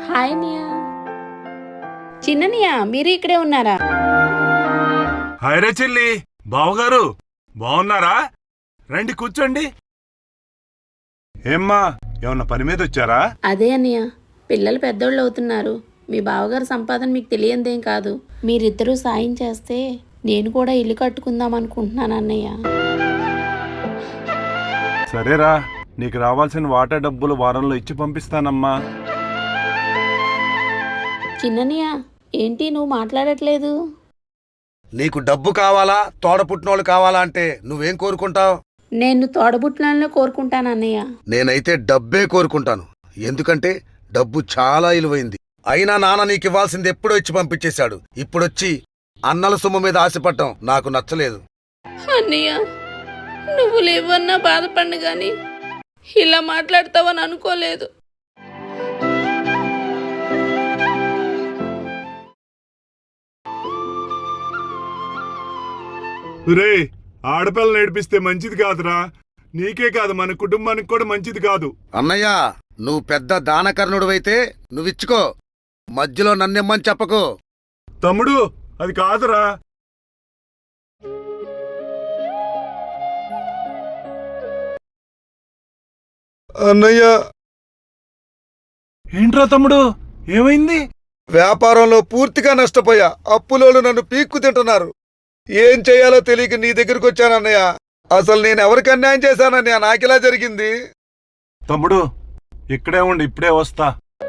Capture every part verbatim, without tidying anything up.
Hi నియా. చిన్ననియా మీరు ఇక్కడే ఉన్నారా? హాయ్ రే చెల్లి, బావగారు బాగున్నారా? రండి కూర్చోండి. ఏమ్మా, ఏమన్నా పని మీద వచ్చారా? అదే అన్నయ్య, పిల్లలు పెద్దోళ్ళు అవుతున్నారు. మీ బావగారు సంపాదన మీకు తెలియందేం కాదు. మీరిద్దరూ సాయం చేస్తే నేను కూడా ఇల్లు కట్టుకుందాం అనుకుంటున్నాను అన్నయ్య. సరేరా, నీకు రావాల్సిన వాటర్ డబ్బులు వారంలో ఇచ్చి పంపిస్తానమ్మా. చిన్ననియా, ఏంటి నువ్వు మాట్లాడట్లేదు? నీకు డబ్బు కావాలా, తోడపుట్టినోళ్ళు కావాలా అంటే నువ్వేం కోరుకుంటావు? నేను తోడబుట్టినోళ్ళనే కోరుకుంటాను అన్నయ్య. నేనైతే డబ్బే కోరుకుంటాను. ఎందుకంటే డబ్బు చాలా విలువైంది. అయినా నాన్న నీకు ఇవ్వాల్సింది ఎప్పుడో ఇచ్చి పంపించేశాడు. ఇప్పుడొచ్చి అన్నల సొమ్ము మీద ఆశపడటం నాకు నచ్చలేదు. అన్నయ్య, నువ్వు లేవన్నా బాధపడిన గాని ఇలా మాట్లాడతావని అనుకోలేదు. రే, ఆడపిల్లని ఏడిపిస్తే మంచిది కాదురా. నీకే కాదు, మన కుటుంబానికి కూడా మంచిది కాదు. అన్నయ్య, నువ్వు పెద్ద దానకర్ణుడివైతే నువ్విచ్చుకో, మధ్యలో నన్నెమ్మని చెప్పకు. తమ్ముడు, అది కాదురా. అన్నయ్య, ఏంట్రా తమ్ముడు, ఏమైంది? వ్యాపారంలో పూర్తిగా నష్టపోయా. అప్పులోళ్ళు నన్ను పీక్కు తింటున్నారు. ఏం చెయ్యాలో తెలియక నీ దగ్గరకు వచ్చానన్నయ్య. అసలు నేను ఎవరికి అన్యాయం చేశానన్నయ్య? నాకిలా జరిగింది. తమ్ముడు, ఇక్కడే ఉండి, ఇప్పుడే వస్తా.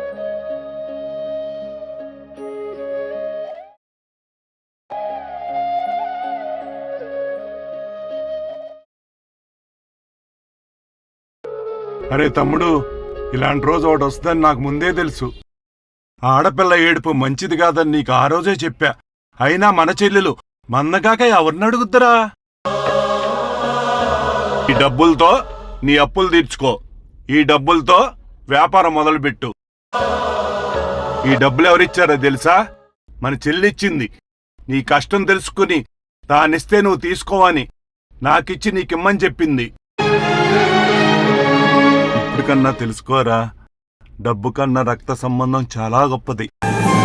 అరే తమ్ముడు, ఇలాంటి రోజు ఒకటి వస్తుందని నాకు ముందే తెలుసు. ఆడపిల్ల ఏడుపు మంచిది కాదని నీకు ఆ రోజే చెప్పా. అయినా మన చెల్లెలు మందగాక ఎవరిని అడుగుద్దరా? ఈ డబ్బులతో నీ అప్పులు తీర్చుకో. ఈ డబ్బులతో వ్యాపారం మొదలుపెట్టు. ఈ డబ్బులు ఎవరిచ్చారో తెలుసా? మన చెల్లిచ్చింది. నీ కష్టం తెలుసుకుని తానిస్తే నువ్వు తీసుకోవని నాకిచ్చి నీకిమ్మని చెప్పింది. ఇప్పటికన్నా తెలుసుకోరా, డబ్బు కన్నా రక్త సంబంధం చాలా గొప్పది.